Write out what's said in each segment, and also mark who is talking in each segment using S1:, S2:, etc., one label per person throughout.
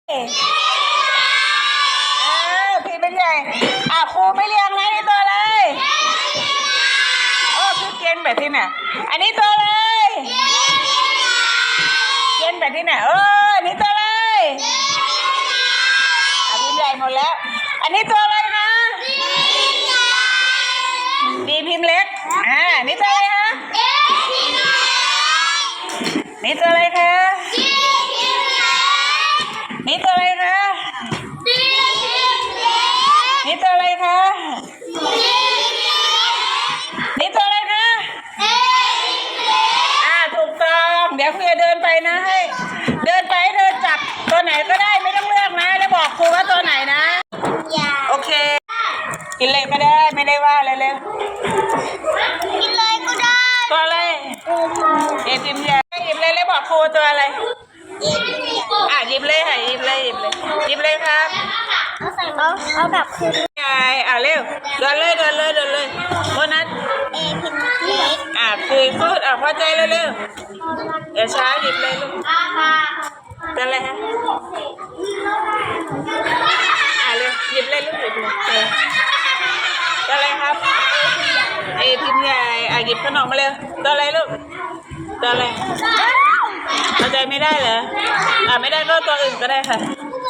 S1: พี่เป็นใหญ่ครูไม่เรียงนะนี่ตัวอะไรคือเกณฑ์แบบที่ไหนอันนี้ตัวอะไรเกณฑ์แบบที่ไหนอันนี้ตัวอะไรพี่ใหญ่หมดแล้วอันนี้ตัวอะไรนะดีพิมพ์เล็กนี่ตัวอะไรคะนี่ตัวอะไรคะนี่ตัวอะไรคะนี่ตัวอะไรคะนี่ตัวอะไรคะถูกต้องเดี๋ยวครูจะเดินไปนะให้เดินไปเธอจับตัวไหนก็ได้ไม่ต้องเลือกนะแล้วบอกครูว่าตัวไหนนะโอเคกินเลยก็ได้ไม่ได้ว่าอะไรเลย
S2: กินเลยก็ได้
S1: ตัวอะไรพิมพ์ใหญ่หยิบเลยแล้วบอกครูตัวอะไรหยิบเลยค่ะหยิบเลยครับ
S2: เอาแบบคืน
S1: ใหญ่เร็วเดินเลยโบนัส
S2: พิมพ์เล็ก
S1: คุยพูดพอใจเร็วเดี๋ยวช้าหยิบเลยลูกเป็นอะไรฮะเร็วหยิบเลยลูกหยิบเลยตัวอะไรครับพิมพ์ใหญ่หยิบขนมมาเร็วตัวอะไรลูกตัวอะไรพอใจไม่ได้เหรอไม่ได้ก็ตัวอื่นก็ได้ค่ะ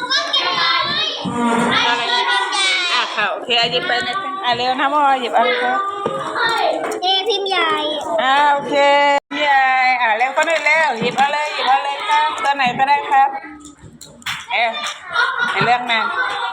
S1: อะไรค่ะโอเคหยิบไปนะเร็วนะโมหยิบอะไรครับ
S2: พิมพ์ใหญ่
S1: โอเคพิมพ์ใหญ่เร็วก็ได้เร็วหยิบเอาเลยครับตัวไหนก็ได้ครับในเรื่องนั้น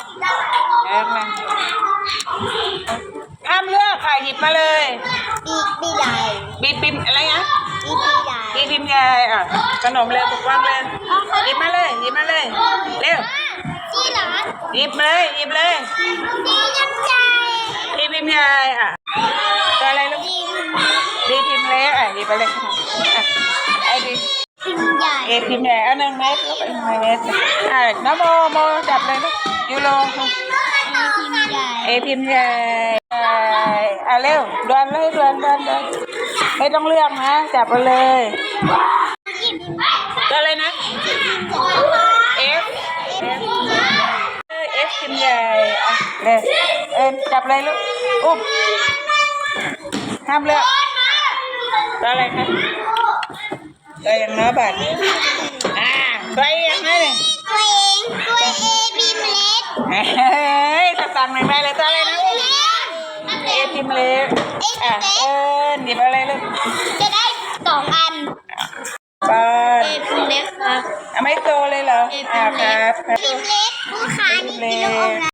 S1: ห้ามเลือกค่ะหยิบมาเลย
S2: บีใหญ่
S1: บีอะไรนะ
S2: บี
S1: พิมพ์ใหญ่ขนมเร็วปกป้องเลยหยิบมาเลยเร็วหยิบเลย
S2: บีน้ำใจ
S1: พิมพ์ใหญ่ตัวอะไรลูกดีพิมพ์เล็กหยิบไปเลยดี
S2: พิมพ์ใหญ่
S1: พิมพ์ใหญ่เอา1 เม็ดลูก1 เม็ดน้ำโมจับเลยลูกยูโรพิมพ์ใหญ่เร็วดวนเลยดวนไม่ต้องเลือกนะจับไปเลยตัวอะไรนะFพิมพ์ใหญ่เลยจับเลยลูกอุ้มห้ามเลือกตัวอะไรคะตัวอย่างน้อยบัตรตัวเองนะเนี่ย
S2: ตัวเอพิมพ์เล็ก
S1: จะสั่งหน่อยไหมเลยตัวอะไรนะพิมพ์เล็กหยิบอะไรลูก
S2: จะได้2 อันพิมพ์เล็กครับ
S1: ไม่โตเลยเหรอ
S2: พิมพ์เล็กผู้ค้านี่กินลูกอม